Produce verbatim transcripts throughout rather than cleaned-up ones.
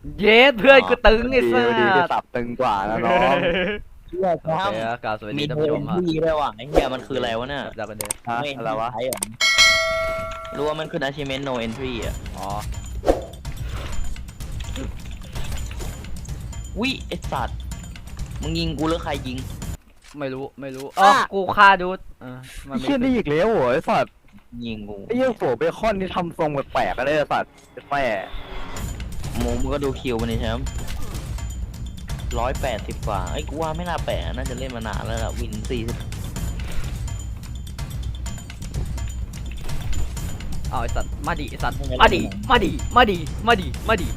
เย้เพื่อนกูตึงไอ้สัดีที่สสับตึงกว่านะน้องเชื่อโอครับเคครับกล่าวสวัสดีมีท่านโทผู้ชนมครับที่ด้วยว่ะไอ้เหี้ยมันคืออะไรวะเนี่ยจากกันเดิมฮะไม่อะไรวะใช่เหรอรู้ว่ามันคือ achievement no entry อ่ะอ๋อวิไอสัตว์มึงยิงกูหรือใครยิงไม่รู้ไม่รู้อ๋อกูฆ่าดูดเออมันไอ้ไม่เชี่ยนี่อีกแล้วโว้ยสัตว์ยิงกูไอ้เหี้ยโผเบคอนนี่ทำทรงแปลกๆกันเลยสัตว์แม่หมูมึงก็ดูคิวมันนี่ใช่ไหมร้อยแปดสิบกว่าไอ้กูว่าไม่น่าแปลกน่าจะเล่นมานานแล้วล่ะวินสี่สิบเอาไอ้สัตว์มาดิไอ้สัตว์มาดิมาดิมาดิมาดิมาดิ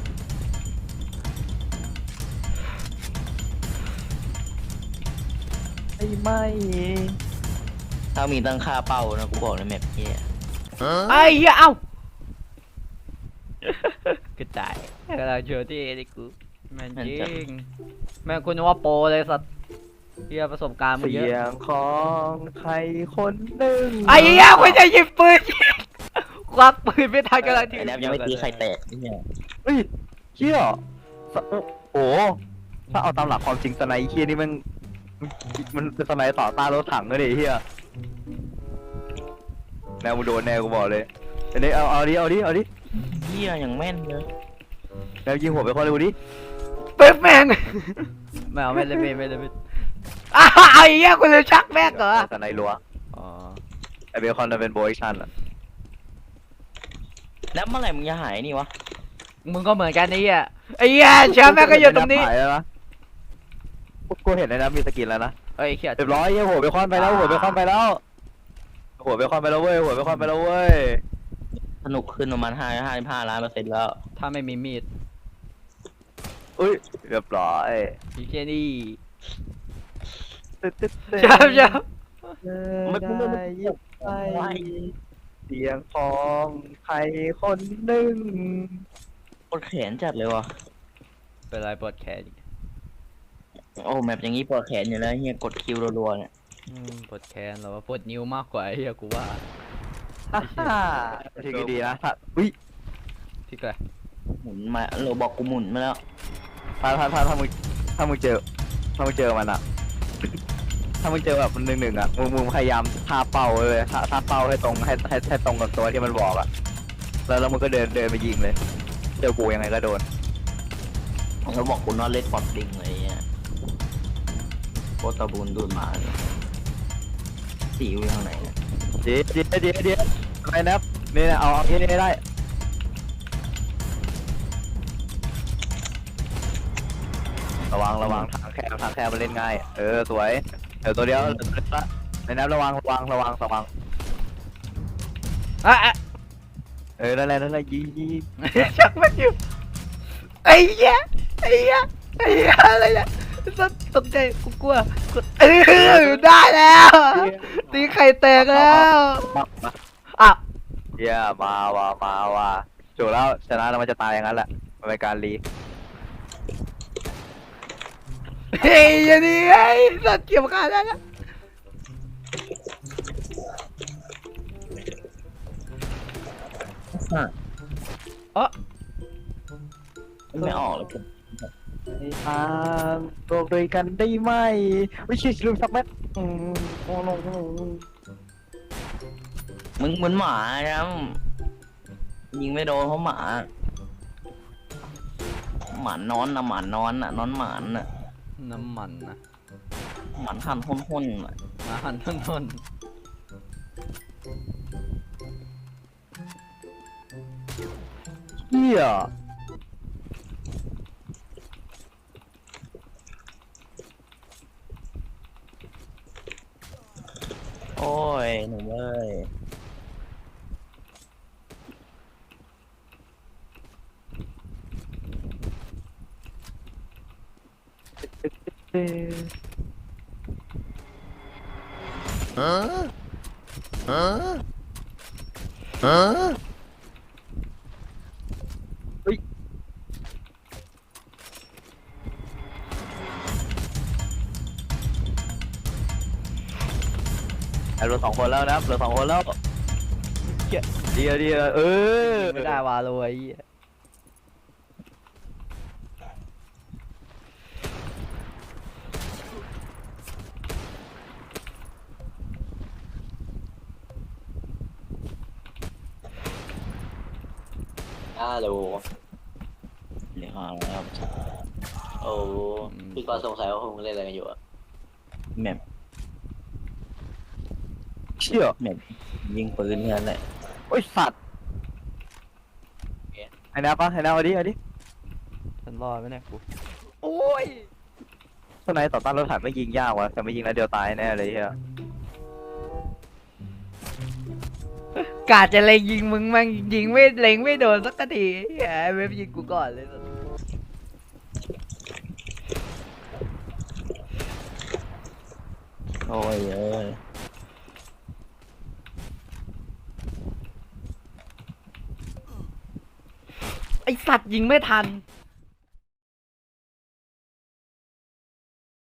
ไอ้ไม่ถ้ามีตั้งค่าเป้านะกูบอกเลยแมปเนี้ยไอ้เหี้ยเอ้ากระจายกำลังเชื่อที่ไอ้กูแม่งจริงแม่งคุณนึกว่าโปรเลยสัตว์เหี้ยประสบการณ์มึงเสีเยยอะงของใครคนหนึ่งไอ้เหี้ยคุณจะหยิบปืนควักปืนไม่ทันกำลังที่ไอ้แนบยังไม่ตีใครแตกไอ้เนี่ยเฮ้ยเชี่ยสโอ้โหถ้าเอาตามหลักความจริงสไนเคียนี่มันมันเป็นสไนต่อต้านรถถังเลยดิเฮียแนวมึงโดนแนวกูบอกเลยอันนี้เอาเอาดิเอาดิเอาดิเหี้ยอย่างแม่นเลยแนวยิงหัวไปคอนเลยกูดิปึ๊บแม่งไม่เอาไม่เลยไม่ไม่เลยไม่อ้าวไอ้เหี้ยคุณเลยชักแม่งเหรอสไนรัวอ๋อไอเบคอนจะเป็นโบยชันอ่ะแล้วเมื่อไหร่มึงจะหายนี่วะมึงก็เหมือนกันไอ้เหี้ยไอ้เหี้ยแชมป์แม่งก็อยู่ตรงนี้หายแล้วนะกูเห็นในนั้นมีสกินแล้วนะเฮ้ยเขียดเรียบร้อยเฮียหัวเบคอนไปแล้วหัวเบคอนไปแล้วหัวเบคอนไปแล้วเว้ยหัวเบคอนไปแล้วเว้ยสนุกขึ้นประมาณห้าห้าสิบห้าล้านเปอร์เซ็นต์แล้วถ้าไม่มีมีดอุ้ยเรียบร้อยไอ้เหี้ยนี่ตึ๊ดตึ๊ดตึ๊ดแชมป์แชมป์ไม่พูดไม่ยิบไปเสียงของใครคนหนึ่งปวดแขนจัดเลยวะเป็นไรปวดแขนอีกโอ้แมปอย่างงี้ปวดแขนอยู่แล้วเฮียกดคิวรัวๆเนี่ยอืมปวดแขนหรอว่าปวดนิ้วมากกว่าไอ้เหี้ยกูว่าฮ่าฮ่าทีก็ดีนะถ้าอุ้ยที่ไกลหมุนมาเราบอกกูหมุนมาแล้วถ้าถ้าถ้าถ้ามึงถ้ามึงเจอถ้ามึงเจอมันอะถ้ามึงเจอแบบมันหนึ่งหนึ่งอะมึงมึงพยายามท่าเป้าเลยท่าท่าเป้าให้ตรงให้ให้ให้ตรงกับตัวที่มันบอกอะแล้วแล้วมึงก็เดินเดินไปยิงเลยเจอกูยังไงก็โดนเราบอกกูนอนเล่นปอดดิงอะไรเงี้ยโคตรบูนดูดมาเลยสีอยู่ทางไหนเนี่ยเดี๋ยวเดี๋ยวเดี๋ยวเดี๋ยวอะไรนะนี่นะเอาเอาที่นี่ได้ระวังระวังทางแคบทางแคบมันเล่นง่ายเออสวยเดี๋ยวตัวเดียวในน้ำระวังระวังระวังระวังอ่ะอ่ะเออนั่นแหละนั่นแหละยิงยิงชักมันอยู่ไอ้เหี้ยไอ้เหี้ยไอ้เหี้ยอะไรเนี่ยตกใจกูกลัวกูเออได้แล้วตีไข่แตกแล้วมามาอ่ะเยี่ยมาว่ะมาว่ะจบแล้วชนะแล้วมันจะตายอย่างนั้นแหละมันเป็นการรีเฮ้ยอย่างนี้ไอ้สัตว์เกี่ยวกันได้แล้วอ่ะเอ๋อไม่ออกเลยผมในทางโลกด้วยกันได้ไหมไม่ใช่ลืมสักเม็ดอืมโอ้โหมึงเหมือนหมาครับยิงไม่โดนเพราะหมาหมานนอนนะหมานนอนน่ะนอนหมานน่ะน้ำมันนะหมานหันห้นๆน่ะมาหันทนทนเฮียโอ้ยหนูเอ้ยเอเฮ้ยเหลือสองคนแล้วนะเหลือสองคนแล้วเดียวเดียวเออไม่ได้วาโลไอ้ฮัลโหลเรียกมาแล้วครับโอ้พี่กรณ์สงสัยว่าพวกมึงเล่นอะไรกันอยู่อะแมปเชี่ยแมปยิงปืนแค่นั้นแหละโอ้ยสัตว์ไอ้นาปะไอ้นาเอาดิเอาดิฉันรอดไหมเนี่ยกูโอ้ยทนายต่อต้านรถถังไม่ยิงยากวะแต่ไม่ยิงแล้วเดียวตายแน่เลยเฮียกาจะเล็งยิงมึงมั่งยิงไม่เล็งไม่โดนสักทีไอ้เว็บยิงกูก่อนเลยโอ้ยเอ้ยไอสัตว์ยิงไม่ทัน